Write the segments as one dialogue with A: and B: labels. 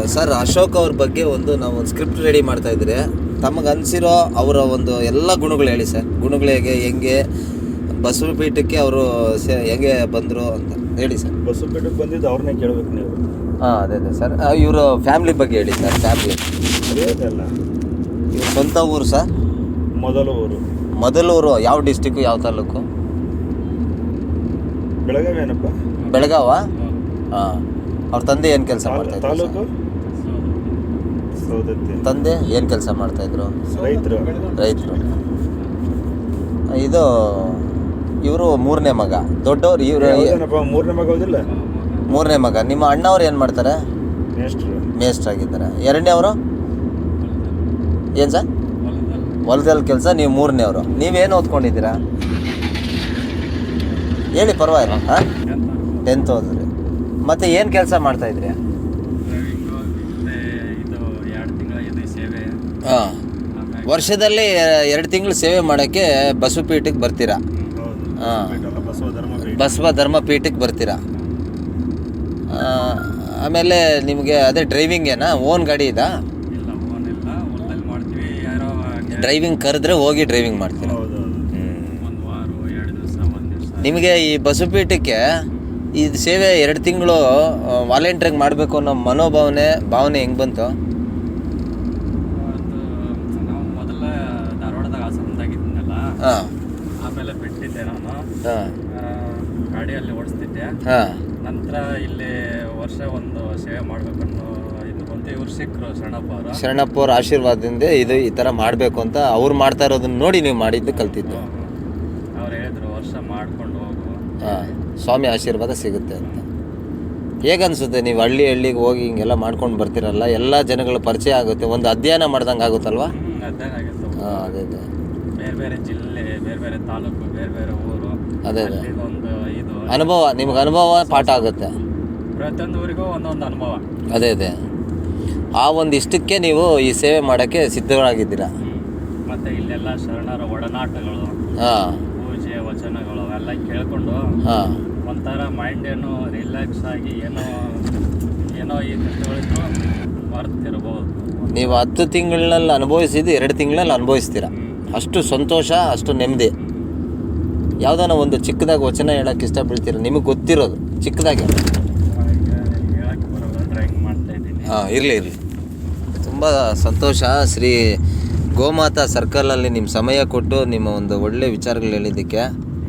A: Sir Ashok ಅವ್ರ ಬಗ್ಗೆ ನಾವು ಒಂದು ಸ್ಕ್ರಿಪ್ಟ್ ರೆಡಿ ಮಾಡ್ತಾ ಇದ್ರೆ ತಮಗೆ ಅನಿಸಿರೋ ಅವರ ಒಂದು ಎಲ್ಲ ಗುಣಗಳು ಹೇಳಿ ಸರ್. ಗುಣಗಳು ಹೆಂಗೆ ಬಸವಪೀಠಕ್ಕೆ ಅವರು ಹೆಂಗೆ ಬಂದರು ಅಂತ ಹೇಳಿ ಸರ್.
B: ಬಸವಪೀಠಕ್ಕೆ ಬಂದಿದ್ದು ಅವ್ರನ್ನೇ ಕೇಳಬೇಕು ನೀವು.
A: ಅದೇ ಸರ್. ಇವರು ಫ್ಯಾಮ್ಲಿ ಬಗ್ಗೆ ಹೇಳಿ ಸರ್. ಫ್ಯಾಮ್ಲಿ
B: ಅಲ್ಲ,
A: ಇವ್ರ ಸ್ವಂತ ಊರು ಸರ್? ಮೊದಲೂರು ಯಾವ ಡಿಸ್ಟಿಕ್ಕು, ಯಾವ ತಾಲೂಕು?
B: ಬೆಳಗಾವಿ. ಏನಪ್ಪ
A: ಬೆಳಗಾವ? ಹಾಂ. ಅವ್ರ ತಂದೆ ಏನು ಕೆಲಸ ಮಾಡ್ತಾಯಿದ್ರು?
B: ತಾಲೂಕು
A: ತಂದೆ ಏನು ಕೆಲಸ ಮಾಡ್ತಾಯಿದ್ರು? ರೈತರು. ಇದು ಇವರು ಮೂರನೇ ಮಗ. ದೊಡ್ಡವ್ರು ಇವರು ಮೂರನೇ ಮಗ. ನಿಮ್ಮ ಅಣ್ಣವ್ರು ಏನು ಮಾಡ್ತಾರೆ? ಮೇಸ್ಟ್ರಾಗಿದ್ದಾರೆ. ಎರಡನೇವರು ಏನು ಸರ್? ಹೊಲದಲ್ಲಿ ಕೆಲಸ. ನೀವು ಮೂರನೇವರು. ನೀವೇನು ಓದ್ಕೊಂಡಿದ್ದೀರಾ ಹೇಳಿ, ಪರವಾಗಿಲ್ಲ. ಹಾಂ, 10th ಓದಿದ್ರಿ. ಮತ್ತು ಏನು ಕೆಲಸ ಮಾಡ್ತಾಯಿದ್ರಿ? ಹಾಂ. ವರ್ಷದಲ್ಲಿ 2 ತಿಂಗಳು ಸೇವೆ ಮಾಡೋಕ್ಕೆ ಬಸವಪೀಠಕ್ಕೆ ಬರ್ತೀರಾ? ಹಾಂ, ಬಸವ ಧರ್ಮ ಪೀಠಕ್ಕೆ ಬರ್ತೀರಾ. ಆಮೇಲೆ ನಿಮಗೆ ಅದೇ ಡ್ರೈವಿಂಗ್ ಏನಾ? ಓನ್ ಗಾಡಿ ಇದಾ? ಡ್ರೈವಿಂಗ್ ಕರೆದ್ರೆ ಹೋಗಿ ಡ್ರೈವಿಂಗ್ ಮಾಡ್ತೀರಾ? ನಿಮಗೆ ಈ ಬಸವಪೀಠಕ್ಕೆ ಈ ಸೇವೆ 2 ತಿಂಗಳು ವಾಲಂಟ್ರಿಗೆ ಮಾಡಬೇಕು ಅನ್ನೋ ಭಾವನೆ ಹೆಂಗೆ ಬಂತು? ಹಾಂ.
C: ಆಮೇಲೆ ಬಿಟ್ಟಿದ್ದೆ ನಾನು.
A: ಹಾಂ.
C: ಗಾಡಿಯಲ್ಲಿ ಓಡಿಸ್ತಿದ್ದೆ.
A: ಹಾಂ.
C: ನಂತರ ಇಲ್ಲಿ ವರ್ಷ ಒಂದು ಸೇವೆ ಮಾಡಬೇಕನ್ನೋ ಇದು ಬಂತು. ಇವ್ರು ಸಿಕ್ಕರು
A: ಶರಣಪ್ಪ ಅವ್ರ ಆಶೀರ್ವಾದದಿಂದ ಈ ಥರ ಮಾಡಬೇಕು ಅಂತ ಅವ್ರು ಮಾಡ್ತಾ ಇರೋದನ್ನ ನೋಡಿ ನೀವು ಮಾಡಿದ್ದು ಕಲ್ತಿದ್ದು.
C: ಅವ್ರು ಹೇಳಿದ್ರು ವರ್ಷ ಮಾಡ್ಕೊಂಡು ಹೋಗು.
A: ಹಾಂ, ಸ್ವಾಮಿ ಆಶೀರ್ವಾದ ಸಿಗುತ್ತೆ ಅಂತ. ಹೇಗನ್ಸುತ್ತೆ ನೀವು ಹಳ್ಳಿಗೆ ಹೋಗಿ ಹಿಂಗೆಲ್ಲ ಮಾಡ್ಕೊಂಡು ಬರ್ತೀರಲ್ಲ, ಎಲ್ಲ ಜನಗಳ ಪರಿಚಯ ಆಗುತ್ತೆ, ಒಂದು ಅಧ್ಯಯನ ಮಾಡ್ದಂಗೆ ಆಗುತ್ತಲ್ವಾ?
C: ಅಧ್ಯಯನ ಆಗುತ್ತೆ.
A: ಹಾಂ, ಅದೇ
C: ಬೇರೆ ಬೇರೆ ಜಿಲ್ಲೆ, ಬೇರೆ ಬೇರೆ ತಾಲೂಕು, ಬೇರೆ ಬೇರೆ ಊರು.
A: ಅದೇ
C: ಒಂದು ಇದು
A: ಅನುಭವ, ನಿಮ್ಗೆ ಅನುಭವ ಪಾಠ ಆಗುತ್ತೆ.
C: ಪ್ರತಿಯೊಂದು ಊರಿಗೂ ಒಂದೊಂದು ಅನುಭವ.
A: ಅದೇ ಆ ಒಂದು ಇಷ್ಟಕ್ಕೆ ನೀವು ಈ ಸೇವೆ ಮಾಡೋಕ್ಕೆ ಸಿದ್ಧರಾಗಿದ್ದೀರಾ.
C: ಮತ್ತು ಇಲ್ಲೆಲ್ಲ ಶರಣರ ಒಡನಾಟಗಳು,
A: ಹಾಂ,
C: ಪೂಜೆ ವಚನಗಳು ಅವೆಲ್ಲ ಕೇಳ್ಕೊಂಡು
A: ಹಾಂ,
C: ಒಂಥರ ಮೈಂಡ್ ಏನೋ ರಿಲ್ಯಾಕ್ಸ್ ಆಗಿ ಏನೋ ಈ ಕಷ್ಟಗಳಿದ್ರು ಮರ್ತಿರ್ಬೋದು.
A: ನೀವು 10 ತಿಂಗಳಲ್ಲಿ ಅನುಭವಿಸಿದ್ದು 2 ತಿಂಗಳಲ್ಲಿ ಅನುಭವಿಸ್ತೀರಾ. ಅಷ್ಟು ಸಂತೋಷ, ಅಷ್ಟು ನೆಮ್ಮದಿ. ಯಾವುದಾನ ಒಂದು ಚಿಕ್ಕದಾಗಿ ವಚನ ಹೇಳೋಕ್ಕೆ ಇಷ್ಟಪಡ್ತೀರ? ನಿಮಗೆ ಗೊತ್ತಿರೋದು ಚಿಕ್ಕದಾಗಿ.
C: ಹೇಳಕ್ಕೆ ಬರೋಲ್ಲ, ಡ್ರಾಯಿಂಗ್ ಮಾಡ್ತಾ ಇದ್ದೀನಿ.
A: ಹಾಂ, ಇರಲಿ. ತುಂಬ ಸಂತೋಷ. ಶ್ರೀ ಗೋಮಾತಾ ಸರ್ಕಲಲ್ಲಿ ನಿಮ್ಮ ಸಮಯ ಕೊಟ್ಟು ನಿಮ್ಮ ಒಂದು ಒಳ್ಳೆ ವಿಚಾರಗಳು ಹೇಳಿದ್ದಕ್ಕೆ.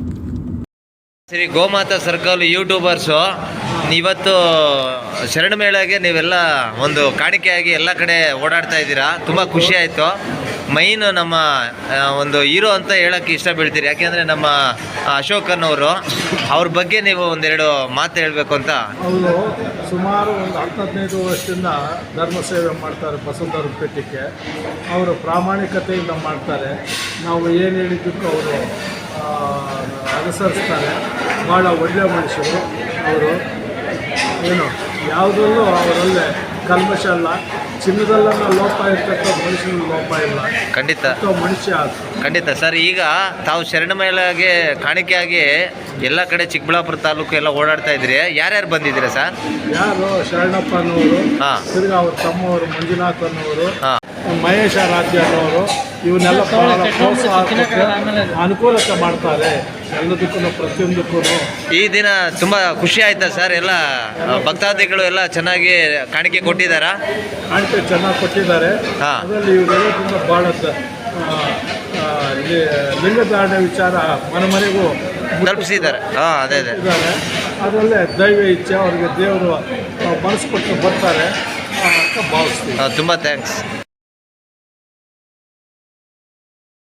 A: ಶ್ರೀ ಗೋಮಾತಾ ಸರ್ಕಲ್ ಯೂಟ್ಯೂಬರ್ಸು ಇವತ್ತು ಶರಣ ಮೇಳಗೆ ನೀವೆಲ್ಲ ಒಂದು ಕಾಣಿಕೆಯಾಗಿ ಎಲ್ಲ ಕಡೆ ಓಡಾಡ್ತಾ ಇದ್ದೀರಾ. ತುಂಬ ಖುಷಿ ಆಯಿತು. ಮೈನ್ ನಮ್ಮ ಒಂದು ಹೀರೋ ಅಂತ ಹೇಳೋಕ್ಕೆ ಇಷ್ಟ ಬೀಳ್ತೀರಿ. ಯಾಕೆಂದರೆ ನಮ್ಮ ಅಶೋಕನ್ನವರು, ಅವ್ರ ಬಗ್ಗೆ ನೀವು ಒಂದೆರಡು ಮಾತು ಹೇಳಬೇಕು ಅಂತ.
D: ಅವರು ಸುಮಾರು ಒಂದು 10-15 ವರ್ಷದಿಂದ ಧರ್ಮ ಸೇವೆ ಮಾಡ್ತಾರೆ ಬಸವ ಧರ್ಮ ಪೀಠಕ್ಕೆ. ಅವರು ಪ್ರಾಮಾಣಿಕತೆಯಿಂದ ಮಾಡ್ತಾರೆ. ನಾವು ಏನು ಹೇಳಿದ್ದಕ್ಕೂ ಅವರು ಅನುಸರಿಸ್ತಾರೆ. ಭಾಳ ಒಳ್ಳೆಯ ಮನುಷ್ಯರು ಅವರು. ಯಾವುದರಲ್ಲೂ ಅವರಲ್ಲೇ ಕಲ್ಮಶ ಅಲ್ಲ. ಚಿನ್ನದಲ್ಲನ್ನ ಲೋಪ ಇರ್ತಕ್ಕಂಥ ಮನುಷ್ಯನ ಲೋಪ ಇಲ್ಲ.
A: ಖಂಡಿತ
D: ಮನುಷ್ಯ
A: ಖಂಡಿತ ಸರ್. ಈಗ ತಾವು ಶರಣ ಮೇಳಗೆ ಕಾಣಿಕೆಯಾಗಿ ಎಲ್ಲ ಕಡೆ ಚಿಕ್ಕಬಳ್ಳಾಪುರ ತಾಲೂಕು ಎಲ್ಲ ಓಡಾಡ್ತಾ ಇದ್ರಿ. ಯಾರ್ಯಾರು ಬಂದಿದ್ದೀರಾ ಸರ್?
D: ಯಾರು? ಶರಣಪ್ಪ ಅನ್ನೋರು,
A: ಹಾಂ,
D: ತಿರ್ಗಾ ಅವ್ರ ತಮ್ಮವರು ಮಂಜುನಾಥ್ ಅನ್ನೋರು,
A: ಹಾಂ,
D: ಮಹೇಶ ರಾಜ್ಯ ಅನ್ನೋರು, ಇವನ್ನೆಲ್ಲ ಪ್ರೋತ್ಸಾಹ ಅನುಕೂಲತೆ ಮಾಡ್ತಾರೆ ಎಲ್ಲದಕ್ಕೂ, ಪ್ರತಿಯೊಂದಕ್ಕೂ.
A: ಈ ದಿನ ತುಂಬ ಖುಷಿ ಆಯ್ತಾ ಸರ್? ಎಲ್ಲ ಭಕ್ತಾದಿಗಳು ಎಲ್ಲ ಚೆನ್ನಾಗಿ ಕಾಣಿಕೆ ಕೊಟ್ಟಿದ್ದಾರಾ?
D: ಕಾಣಿಕೆ ಚೆನ್ನಾಗಿ ಕೊಟ್ಟಿದ್ದಾರೆ.
A: ಹಾಂ,
D: ಅದರಲ್ಲಿ ಇವರೆಲ್ಲದಿಂದ ಭಾಳ ಲಿಂಗಧಾರಣೆ ವಿಚಾರ ಮನೆಗೂ
A: ತಲುಪಿಸಿದ್ದಾರೆ. ಹಾಂ, ಅದೇ
D: ಇದ್ದಾರೆ. ಅದರಲ್ಲೇ ದೈವ ಇಚ್ಛೆ ಅವರಿಗೆ ದೇವರು ಮನಸ್ಸು ಕೊಟ್ಟು ಬರ್ತಾರೆ ಅಂತ ಭಾವಿಸ್ತೀವಿ.
A: ತುಂಬ ಥ್ಯಾಂಕ್ಸ್.